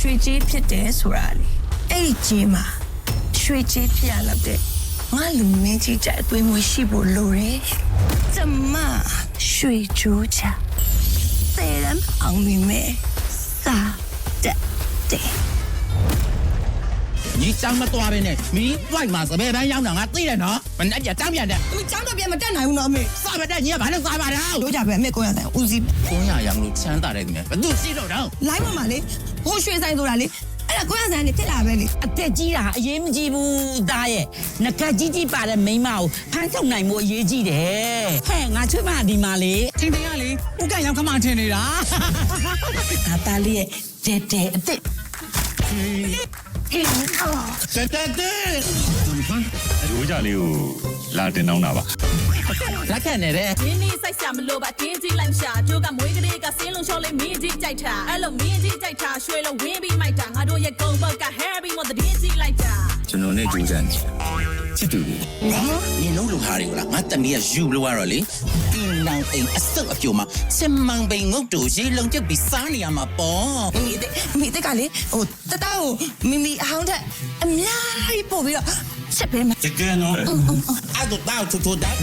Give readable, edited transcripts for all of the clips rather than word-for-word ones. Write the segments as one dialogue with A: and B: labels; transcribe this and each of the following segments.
A: ရွှေကြီးဖြစ်တယ်ဆိုတာလေအဲ့ဒီကြီးမှာရွှေကြီးဖြစ်ရလောက်တဲ့ငါလူမင်းကြီးကြအသွေးမွေးရှိဖို့လိုတယ်ကျမရွှေကြိုးချသေရန်အောင်မိမဲစာတဲ့
B: 你长得多呗呢？你外嘛是别班养的啊，对了喏，本来就长变的。
A: 你长得变么တက်နိုင်ဘူးနော်အမေ
B: 啥不得？你也把那啥把的。
A: တို့ကြပဲအမေကိုရဆိုင်ဦးစီး
B: 公鸭养路强大的咩？不都洗手上？
A: လိုင်းမမလေးဟိုရွှေဆိုင်ဆိုတာလေအဲ့ဒါကိုရဆိုင်နေဖြစ်လာပဲလေ
C: အသက်ကြီးတာအရေးမကြီးဘူးသားရဲ့ငကကြီးကြီးပါတဲ့မိန်းမကိုဖမ်းထုတ်နိုင်မှုအရေးကြီးတယ်ဟဲ့ငါချွေးမဒီမှာလေ
D: ထင်ရလေဥကရောက်ခမထင်နေတာ
C: ငါသားလေးရဲ့တဲတဲအသက်
B: 对对对。
E: ရိုးကြလေးကိုလာတင်တော့တာပါ
B: 来看你的。
F: ရင်းနှီးစိုက်စရာမလိုပါတင်းကြီးလိုက်ရှာကျိုးကမွေးကလေးကစင်းလုံးလျှော်လေးမင်းကြီးကြိုက်တာအဲ့လိုမင်းကြီးကြိုက်တာရွှေလုံးဝင်းပြီးမိုက်တာငါတို့ရဲ့ကုန်းဘက်က Harry မတဲ့တင်းကြီးလိုက်တာ
E: ကျွန်တော်နဲ့ကြိုးစားနေချစ်သူလေး
B: 你弄路哈的啦，我等你要路啊哩。槟榔店一手一脚嘛，千万别我做些人就比三年嘛包。
A: မိတဲ့ကလေဟိုတတကိုမိမိအဟောင်းတဲ့အများကြီးပို့ပြီးတော့ချက်ပေးမှာ
B: 这个喏，啊都到处处的。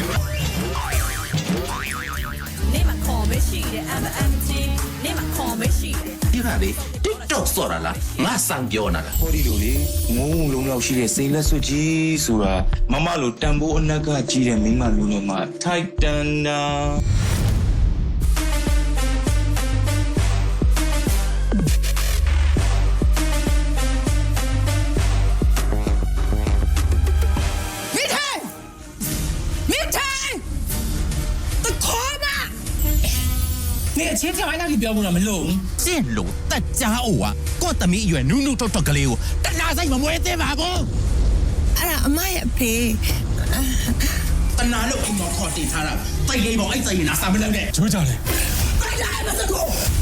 F: နေမှာခေါ်မရှိတဲ့ MMG နေမှာခေါ်မရှိတဲ့
B: 你看哩，TikTok 说了啦，我上标那了。
G: ဟောဒီလိုလေငုံလုံးလောက်ရှိတဲ့စိန်လက်စွပ်ကြီးဆိုတာမမလိုတန်ဖိုးအနက်ကကြီးတဲ့မိန်းမလူငယ်မှာထိုက်တန်တာ
D: 你အချင်းချင်းဝိုင်းလိုက်ပြောမှုတော့မလို့
B: 这路大家伙啊，我等你远努努tot tot个了，但哪在我没得嘛不？
A: အဲ့ဒါအမရဲ့အဖေ
B: 但哪路我靠地他了，再给我一再拿三分钟的。
D: ချိုးကြလေ
B: 快来，马上过。